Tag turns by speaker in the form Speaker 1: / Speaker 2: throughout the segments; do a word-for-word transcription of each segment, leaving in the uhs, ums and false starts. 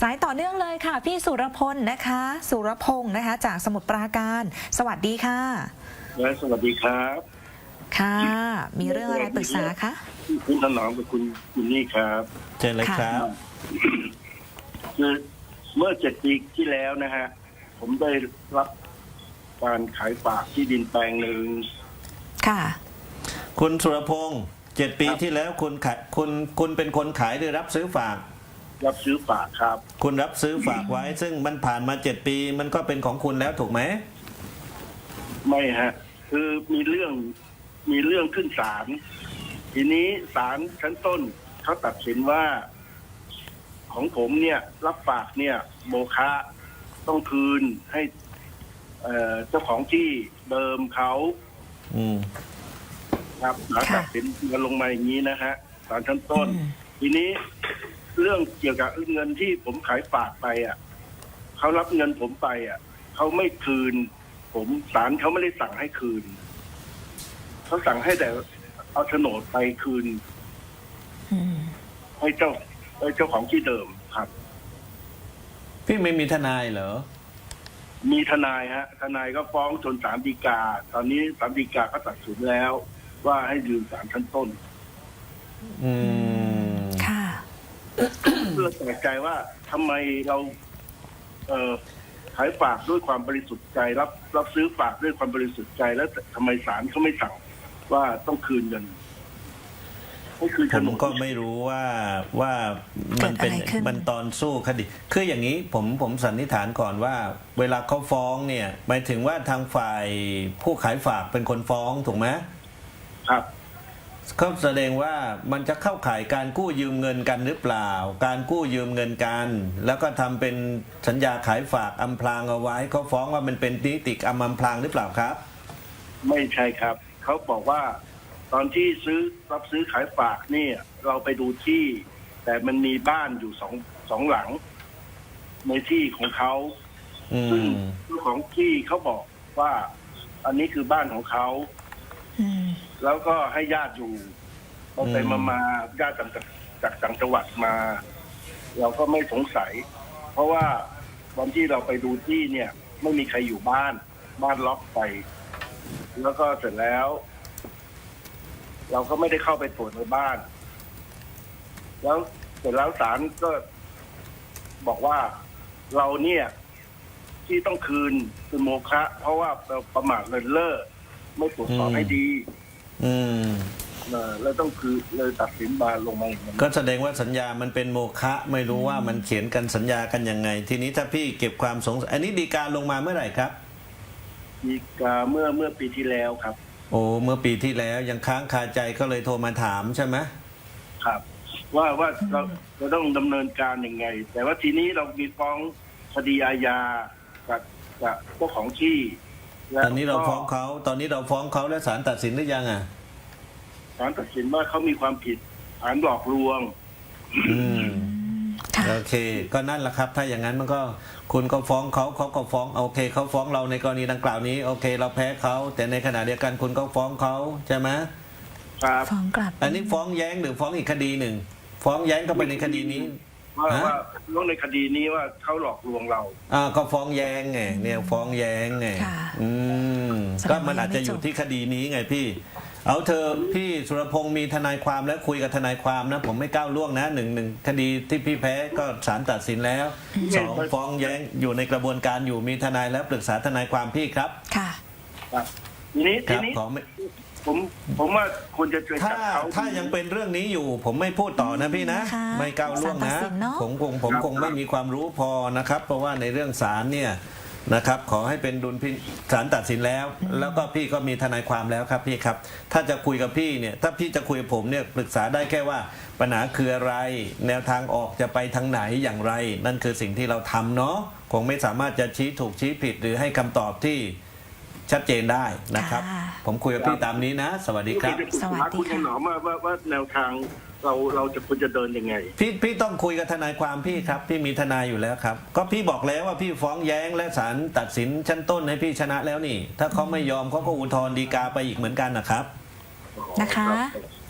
Speaker 1: ายต่อเนื่องเลยค่ะพี่สุรพลนะคะสุรพงศ์นะคะจากสมุทรปราการสวัสดีค่ะ
Speaker 2: และสวัสดีครับ
Speaker 1: ค่ะมีเรื่องอะไรปรึกษาคะ
Speaker 2: คุณถนอมกับคุณคุณนี่ครับ
Speaker 3: เชิญเลยครับ
Speaker 2: คือเมื่อเจ็ดปีที่แล้วนะฮะผมได้รับการขายฝากที่ดินแปลงหนึ่ง
Speaker 1: ค่ะ
Speaker 3: คุณสุรพงศ์เจ็ดปีที่แล้วคุณขายคุณคุณเป็นคนขายหรือรับซื้อฝาก
Speaker 2: รับซื้อฝากครับ
Speaker 3: คุณรับซื้อฝากไว้ซึ่งมันผ่านมาเจ็ดปีมันก็เป็นของคุณแล้วถูกไหม
Speaker 2: ไม่ฮะคือมีเรื่องมีเรื่องขึ้นศาลทีนี้ศาลชั้นต้นเขาตัดสินว่าของผมเนี่ยรับฝากเนี่ยโมฆะต้องคืนให้เจ้าของที่เดิมเขาครับศาลตัดสินมาลงมาอย่างนี้นะฮะศาลชั้นต้นทีนี้เรื่องเกี่ยวกับเงินที่ผมขายฝากไปอ่ะเขารับเงินผมไปอ่ะเขาไม่คืนผมศาลเขาไม่ได้สั่งให้คืนเขาสั่งให้แต่เอาโฉนดไปคืนให้เจ้าให้เจ้าของที่เดิมครับ
Speaker 3: พี่ไม่มีทนายเหรอ
Speaker 2: มีทนายฮะทนายก็ฟ้องจนศาลฎีกาตอนนี้ศาลฎีกาก็ตัดสินแล้วว่าให้ยืนศาลชั้นต้น
Speaker 3: อืม
Speaker 1: ค่ะ
Speaker 2: เพื่อแปลกใจว่าทำไมเราเอ่อขายฝากด้วยความบริสุทธิ์ใจรับรับซื้อฝากด้วยความบริสุทธิ์ใจแล้วทำไมศาลเขาไม่สั่งว่าต้องคืนเงิน
Speaker 3: ผมก็ไม่รู้ว่าว่ามันเป็นมันตอนสู้คดีคืออย่างนี้ผมผมสันนิษฐานก่อนว่าเวลาเขาฟ้องเนี่ยหมายถึงว่าทางฝ่ายผู้ขายฝากเป็นคนฟ้องถูกไหม
Speaker 2: ครับ
Speaker 3: เขาแสดงว่ามันจะเข้าข่ายการกู้ยืมเงินกันหรือเปล่าการกู้ยืมเงินกันแล้วก็ทำเป็นสัญญาขายฝากอำพรางเอาไว้เขาฟ้องว่ามันเป็นนิติกรรมอำพรางหรือเปล่าครับ
Speaker 2: ไม่ใช่ครับเขาบอกว่าตอนที่ซื้อรับซื้อขายฝากนี่เราไปดูที่แต่มันมีบ้านอยู่สองสองหลังในที่ของเขาซึ่งเจ้าของที่เขาบอกว่าอันนี้คือบ้านของเขาแล้วก็ให้ญาติอยู่พอไปมามาญาติจากจากต่างจังหวัดมาเราก็ไม่สงสัยเพราะว่าวันที่เราไปดูที่เนี่ยไม่มีใครอยู่บ้านบ้านล็อกไปแล้วก็เสร็จแล้วเราก็ไม่ได้เข้าไปตรวจในบ้านแล้วเสร็จแล้วศาลก็บอกว่าเราเนี่ยที่ต้องคืนคือโมฆะเพราะว่าเราประมาทเลินเล่อไม่ตรวจสอบให้ดี
Speaker 3: อืม
Speaker 2: แล้วต้องคือเลยตัดสินมาลงมาอย่างนั้น
Speaker 3: ก็แสดงว่าสัญญามันเป็นโมฆะไม่รู้ว่ามันเขียนกันสัญญากันยังไงทีนี้ถ้าพี่เก็บความสงสัยอันนี้ฎีกาลงมาเมื่อไหร่ครับ
Speaker 2: ฎีกาเมื่อเมื่อปีที่แล้วครับ
Speaker 3: โอ้เมื่อปีที่แล้วยังค้างคาใจก็เลยโทรมาถามใช่ไหม
Speaker 2: ครับว่าว่าเราเราต้องดำเนินการยังไงแต่ว่าทีนี้เรามีฟ้องคดีอาญากับกับเจ้าของที่
Speaker 3: ตอนนี้เราฟ้องเขาตอนนี้เราฟ้องเขาแล้วศาลตัดสินหรือยังอ่ะ
Speaker 2: ศาลตัดสินว่าเขามีความผิดฐานหลอกลวง
Speaker 3: อืมโอเคก็นั่นแหละครับถ้าอย่างนั้นมันก็คุณก็ฟ้องเขาเขาก็ฟ้องโอเคเขาฟ้องเราในกรณีดังกล่าวนี้โอเคเราแพ้เขาแต่ในขณะเดียวกันคุณก็ฟ้องเขาใช่ไหม
Speaker 2: ครับ
Speaker 1: ฟ้องกลับ
Speaker 3: อันนี้ฟ้องแย้งหรือฟ้องอีกคดีหนึ่งฟ้องแย้งก็ไปในคดีนี้
Speaker 2: ว่าว่าลงในคดีนี้ว่าเขาหลอกลวงเรา
Speaker 3: อ่าก็ฟ้องแย้งไงเนี่ยฟ้องแย้งไงอืมก็มันอาจจะอยู่ที่คดีนี้ไงพี่เอาเธอพี่สุรพงศ์มีทนายความแล้วคุยกับทนายความนะผมไม่ก้าวล่วงนะหนึ่งหนึ่งคดีที่พี่แพ้ก็ศาลตัดสินแล้วสองฟ้องแย้งอยู่ในกระบวนการอยู่มีทนายแล้วปรึกษาทนายความพี่ครับ
Speaker 1: ค่ะ
Speaker 2: ครับทีนี้ทีนี้ผมผมว่าควรจะ
Speaker 3: ถ้าถ้ายังเป็นเรื่องนี้อยู่ผมไม่พูดต่อนะพี่นะไม่ก้าวล่วงนะผมคงผมคงไม่มีความรู้พอนะครับเพราะว่าในเรื่องศาลเนี่ยนะครับขอให้เป็นดุลพินิจศาลตัดสินแล้วแล้วก็พี่ก็มีทนายความแล้วครับพี่ครับถ้าจะคุยกับพี่เนี่ยถ้าพี่จะคุยกับผมเนี่ยปรึกษาได้แค่ว่าปัญหาคืออะไรแนวทางออกจะไปทางไหนอย่างไรนั่นคือสิ่งที่เราทำเนาะคงไม่สามารถจะชี้ถูกชี้ผิดหรือให้คำตอบที่ชัดเจนได้นะครับผมคุยกับพี่ตามนี้นะสวัสดีครับ
Speaker 1: สวัสดีค่ะ
Speaker 2: คุณหมอว่าว่าว่าแนวทางเราเราจะควรจะเดินยังไง
Speaker 3: พี่พี่ต้องคุยกับทนายความพี่ครับพี่มีทนายอยู่แล้วครับก็พี่บอกแล้วว่าพี่ฟ้องแย้งและศาลตัดสินชั้นต้นให้พี่ชนะแล้วนี่ถ้าเขาไม่ยอมเขาก็อุทธรณ์ฎีกาไปอีกเหมือนกันนะครับ
Speaker 1: นะคะ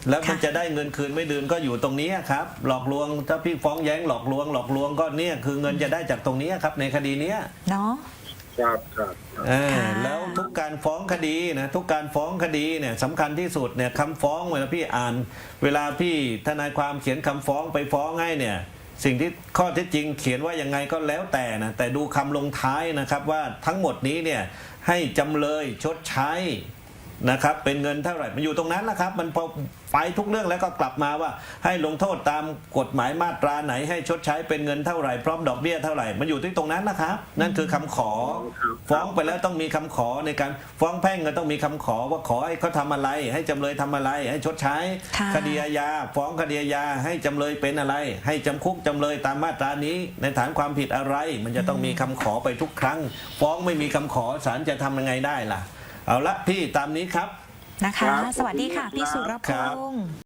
Speaker 3: แล้วมัน
Speaker 1: ค่ะ
Speaker 3: จะได้เงินคืนไม่ดืนก็อยู่ตรงนี้ครับหลอกลวงถ้าพี่ฟ้องแย้งหลอกลวงหลอกลวงก็เนี่ยคือเงินจะได้จากตรงนี้ครับในคดีเนี้ย
Speaker 1: เนาะ
Speaker 2: ครับครับครับ
Speaker 3: อ่า
Speaker 1: ค่ะ
Speaker 3: แล้วทุกการฟ้องคดีนะทุกการฟ้องคดีเนี่ยสำคัญที่สุดเนี่ยคำฟ้องเวลาพี่อ่าน เวลาพี่ทนายความเขียนคำฟ้องไปฟ้องให้เนี่ยสิ่งที่ข้อเท็จจริงเขียนว่ายังไงก็แล้วแต่นะแต่ดูคำลงท้ายนะครับว่าทั้งหมดนี้เนี่ยให้จำเลยชดใช้นะครับเป็นเงินเท่าไหร่มันอยู่ตรงนั้นแหละครับมันพอไปทุกเรื่องแล้วก็กลับมาว่าให้ลงโทษตามกฎหมายมาตราไหนให้ชดใช้เป็นเงินเท่าไหร่พร้อมดอกเบี้ยเท่าไหร่มันอยู่ที่ตรงนั้นนะครับนั่นคือคำขอฟ้องไปแล้วต้องมีคำขอในการฟ้องแพ่งก็ต้องมีคำขอว่าขอให้เขาทำอะไร ให้จำเลยทำอะไร ให้ชดใช้
Speaker 1: ค่ะ
Speaker 3: คดีอาญาฟ้องคดีอาญาให้จำเลยเป็นอะไร ให้จำคุกจำเลยตามมาตรานี้ในฐานความผิดอะไร มันจะต้องมีคำขอไปทุกครั้ง ฟ้องไม่มีคำขอศาลจะทำยังไงได้ล่ะเอาละพี่ตามนี้ครับ
Speaker 1: นะคะ สวัสดีค่ะ พี่สุรพ
Speaker 3: ครับ
Speaker 1: งษ์